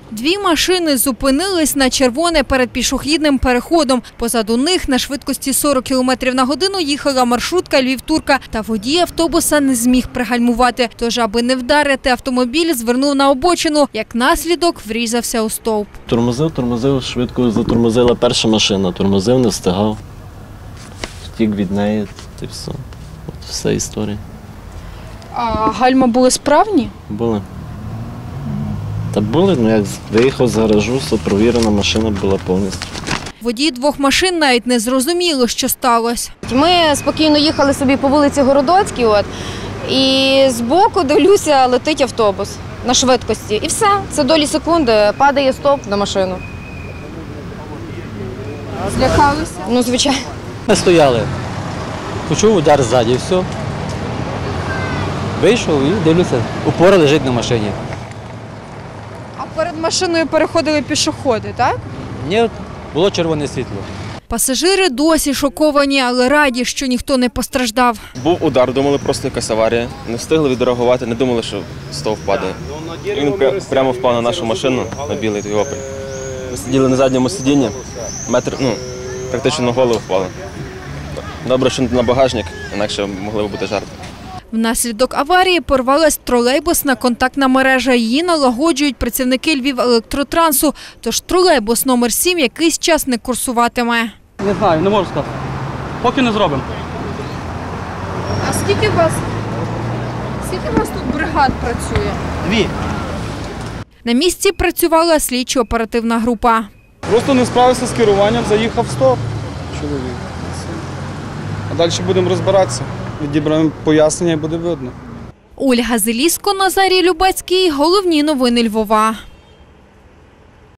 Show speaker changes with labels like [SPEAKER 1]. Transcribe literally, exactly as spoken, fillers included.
[SPEAKER 1] Дві машини зупинились на червоне перед пішохідним переходом. Позаду них на швидкості сорок кілометрів на годину їхала маршрутка Львів-Турка. Та водій автобуса не зміг пригальмувати. Тож, аби не вдарити, автомобіль звернув на обочину. Як наслідок, врізався у стовп.
[SPEAKER 2] Тормозив, тормозив, швидко затормозила перша машина. Тормозив, не встигав. Втік від неї, і все. От вся історія.
[SPEAKER 1] А гальма були справні?
[SPEAKER 2] Були. Та були, ну як виїхав з гаражу, все провірена машина була повністю.
[SPEAKER 1] Водії двох машин навіть не зрозуміло, що сталося.
[SPEAKER 3] Ми спокійно їхали собі по вулиці Городоцькій, от, і збоку, дивлюся, летить автобус на швидкості. І все, це долі секунди, падає стовп на машину.
[SPEAKER 1] Злякалися?
[SPEAKER 3] Ну, звичайно.
[SPEAKER 4] Ми стояли, почув удар ззаді, все. Вийшов і дивлюся, опора лежить на машині.
[SPEAKER 1] А перед машиною переходили пішоходи, так?
[SPEAKER 4] Ні, було червоне світло.
[SPEAKER 1] Пасажири досі шоковані, але раді, що ніхто не постраждав.
[SPEAKER 5] Був удар, думали, просто якась аварія. Не встигли відреагувати, не думали, що стовп падає. Він прямо впав на нашу машину, на білий той Опель. Ми сиділи на задньому сидінні, метр, ну, практично на голову впали. Добре, що не на багажник, інакше могли б бути жарти.
[SPEAKER 1] Внаслідок аварії порвалась тролейбусна контактна мережа. Її налагоджують працівники Львівелектротрансу. Тож тролейбус номер сім якийсь час не курсуватиме.
[SPEAKER 6] Не знаю, не можу сказати. Поки не зробимо.
[SPEAKER 1] А скільки у вас, скільки у вас тут бригад працює?
[SPEAKER 6] Дві.
[SPEAKER 1] На місці працювала слідчо-оперативна група.
[SPEAKER 6] Просто не справився з керуванням, заїхав в стоп. Чоловік. А далі будемо розбиратися. Відібраємо пояснення і буде видно.
[SPEAKER 1] Ольга Зеліско, Назарій Любецький. Головні новини Львова.